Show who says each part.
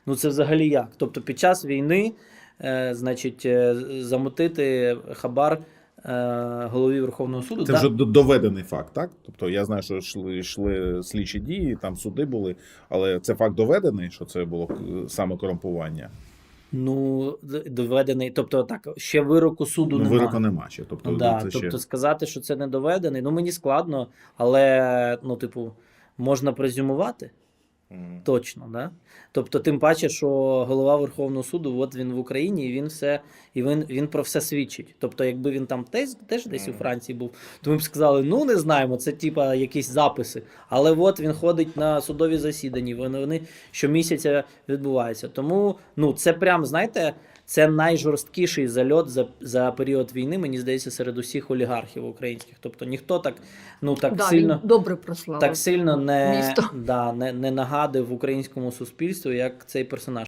Speaker 1: Ну це взагалі як? Тобто під час війни, значить, замутити хабар голові Верховного суду.
Speaker 2: Це вже доведений факт, так? Тобто я знаю, що йшли слідчі дії, там суди були, але це факт доведений, що це було саме корумпування?
Speaker 1: Ну, доведений, тобто так, ще вироку суду
Speaker 2: Ну,
Speaker 1: немає.
Speaker 2: вироку нема ще. Тобто,
Speaker 1: Ну, да,
Speaker 2: це
Speaker 1: тобто
Speaker 2: ще...
Speaker 1: сказати, що це не доведений, ну мені складно, але, ну, типу, можна презюмувати. Точно, да? Тобто, тим паче, що голова Верховного суду, от він в Україні, і він все, і він про все свідчить. Тобто, якби він там теж десь у Франції був, то ми б сказали, ну не знаємо, це типа якісь записи. Але от він ходить на судові засідання, вони щомісяця відбуваються. Тому, ну, це прям, знаєте, це найжорсткіший зальот за період війни, мені здається, серед усіх олігархів українських. Тобто ніхто так, ну, так
Speaker 3: Да,
Speaker 1: сильно,
Speaker 3: він добре прославив
Speaker 1: так сильно
Speaker 3: місто.
Speaker 1: не нагадив українському суспільству, як цей персонаж.